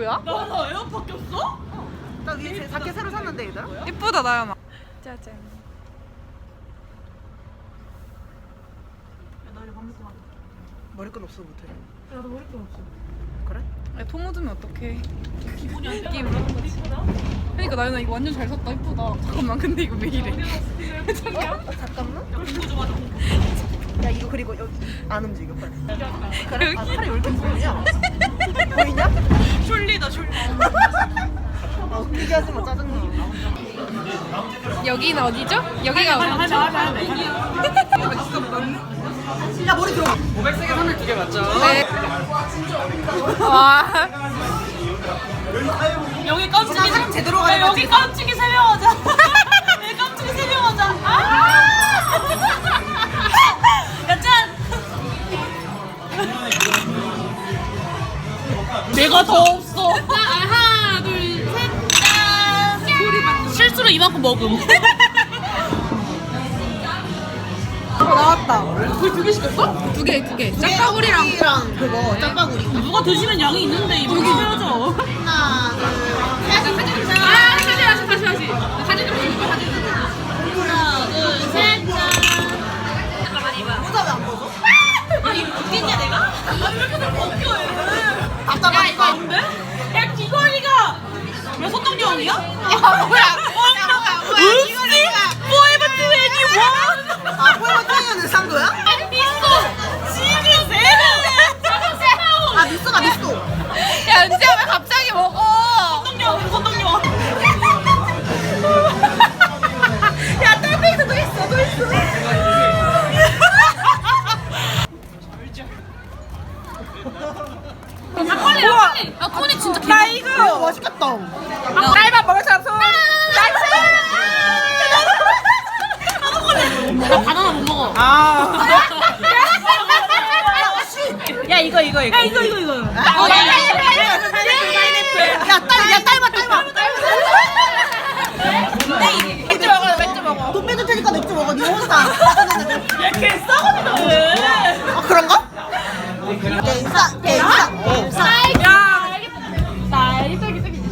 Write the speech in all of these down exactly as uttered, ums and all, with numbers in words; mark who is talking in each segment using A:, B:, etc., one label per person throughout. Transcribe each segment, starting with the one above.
A: 뭐야?
B: 나나 에어팟 꼈어?
C: 나 위에 자켓 새로 샀는데 얘들아?
A: 이쁘다 나연아. 짜잔.
B: 나 이제 밥 먹고 가자.
C: 머리끈 없어 못해.
B: 야나 머리끈 없어.
C: 그래?
A: 야, 통 묻으면 어떡해.
B: 기분이 안
A: 느낌.
B: 돼. 이쁘다.
A: 그러니까 나연아 이거 완전 잘 샀다. 이쁘다. 잠깐만 근데 이거 왜 이래?
C: 어? 잠깐만.
B: 공부 좀 하자.
C: 야 이거 그리고 여기 안 움직여 빨리.
A: 여기.
C: 아 팔이 왜 이렇게 보이냐? 보이냐?
B: 졸리다 졸리.
C: 아 웃기게 하지 마 짜증나.
A: 여기는 어디죠? 여기가
B: 하자
A: 어디죠?
B: 하자 하자.
C: 야 머리 들어.
D: 오백색의 선을 두 개 맞죠?
A: 네. 와.
B: 여기 깜찍이
C: 사람 제대로 가야
B: 야, 여기 깜찍이 세 명 하자. 여기 깜찍이 세 명 하자. 아! 야 짠. 내가 더 없어. 하나 둘 셋. 짠. 실수로 이만큼 먹음.
C: 어 나왔다.
B: 거의 두 개 시켰어?
A: 두 개, 두 개. 짜파구리랑
C: 랑 그거 짬바구리.
B: 누가 드시면 양이 있는데 이거 해야죠.
C: 하나 둘.
B: 아 다시 다시 다시 다시. 사진 좀 찍어 사진. 하나 둘 셋. 짠.
C: 모자 왜안 벗어?
B: 아니 웃기냐 내가? 아니 왜 이렇게 자꾸 웃겨 얘는.
C: 답답하니까.
B: 야 이거 아닌데? 야 귀걸이가 왜 소똥경이야?
C: 야 뭐야? 뭐야 뭐야?
B: 으씨 포에버 이십일.
C: 아 포에버 트웬티원을 산 거야?
B: 미소 지금 세번
C: 아 미쏘다 미쏘.
A: 야 은지야 왜 갑자기 먹어?
B: 소똥경 소똥경.
C: 야 딸페이스 또 있어 또 있어.
B: 닭걸리 닭걸리. 야 코니 진짜 개.
C: 나 이거 맛있겠다.
B: 아, 딸밥 먹을 사람 손. 나 바나나 못 먹어.
C: 아.
B: 야 이거 이거 이거. 야 이거 이거 이거.
C: 어,
B: 야, 야, 야, 야, 야, 야,
C: 파인애플. 야 딸, 야 딸봐 딸봐. 맥주 먹어 맥주 먹어. 돈 빼줄 테니까 맥주 먹어. 니 혼자.
B: 야걔 싸가지다 왜?
C: 아 그런가? 갱사 갱사 갱사.
B: 야 알겠다. 알겠다 알겠다.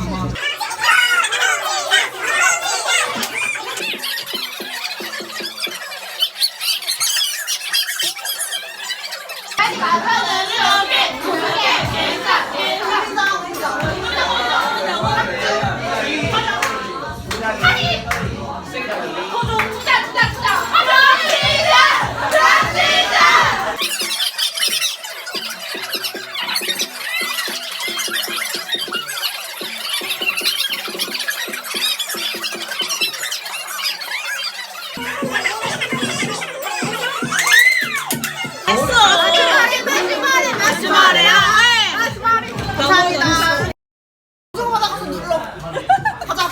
C: 감사합니다. 방송하다가서 눌러. 가자.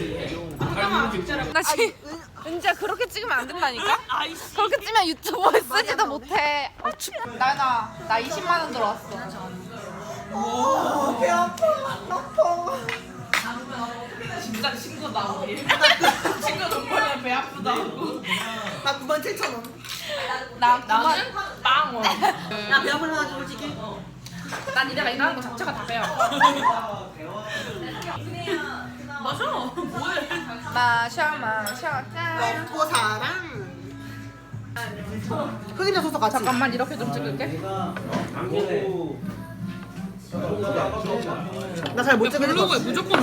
A: 나 지금 은지야 그렇게 찍으면 안 된다니까?
B: 아이씨.
A: 그렇게 찍으면 유튜브에 쓰지도 못해. 어, 춥. 나나 나 이십만 원 들어왔어.
C: 어, 배 아파. 아파.
B: 진짜 친구다 우리. 친구 돈 벌면 배 아프다고.
C: 나 구만 칠천 원.
A: 나 그만.
B: 나는 빵 원.
C: 야 배 아플 만하지 솔직히.
A: 난 이래가 이거 하는 거 자체가 다 배워.
B: 맞아. 뭐해?
A: 마셔 마셔 짠.
C: 먹고 사랑. 흑임자 소스 같이.
A: 잠깐만 이렇게 좀 찍을게.
C: 나 잘 못 찍을 거.
B: 블로그에 무조건.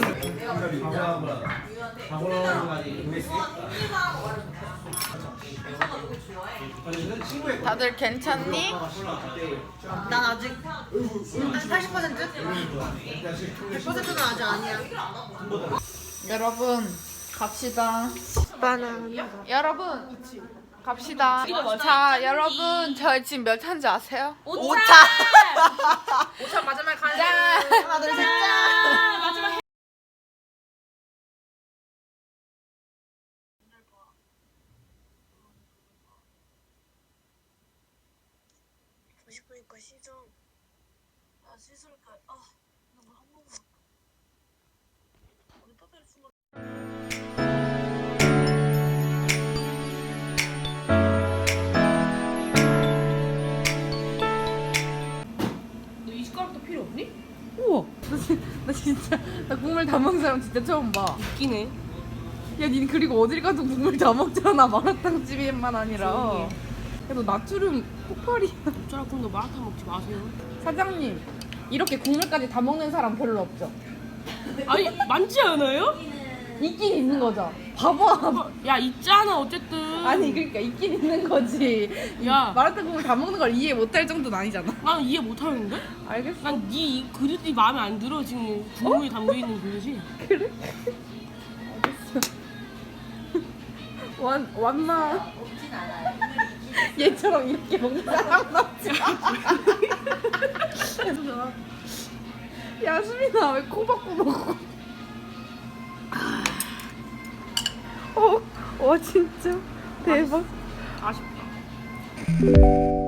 A: 다들 괜찮니?
C: 난 아직 한 팔십 퍼센트? 백 퍼센트는 아직 아니야.
A: 여러분 갑시다.
C: 바나나.
A: 여러분 갑시다. 자 여러분 저 지금 몇 차인지 아세요?
C: 오 차.
A: 오 차 마지막에 가는.
C: 하나 둘 셋 짠.
B: 마지막.
C: 보고 싶으니까 씻어.
B: 아 씻을까? 아 너무 한 번만. 우리 빠따리 숨어. 너 이 숟가락도 필요 없니? 우와.
A: 진- 나 진짜 나 국물 다 먹는 사람 진짜 처음 봐.
B: 웃기네.
A: 야, 니 그리고 어딜 가도 국물 다 먹잖아. 마라탕 집에만 아니라.
B: 조용히 해.
A: 야, 너 나트륨 폭발이야.
B: 어쩌라 그럼 너 마라탕 먹지 마세요.
A: 사장님, 이렇게 국물까지 다 먹는 사람 별로 없죠?
B: 아니 많지 않아요?
A: 있긴 있는 거죠. 봐봐.
B: 야 있잖아 어쨌든.
A: 아니 그러니까 있긴 있는 거지.
B: 야.
A: 마라탕 국물 다 먹는 걸 이해 못할 정도는 아니잖아.
B: 난 이해 못하는데?
A: 알겠어.
B: 난네 그릇이 마음에 안 들어 지금 국물이 담겨있는 그릇이.
A: 그래? 알겠어. 완 완마. 얘처럼 이렇게 먹는 사람 없지. 야 수민아 왜 코 박고 먹어? 어, 와 진짜 대박.
B: 아쉽다.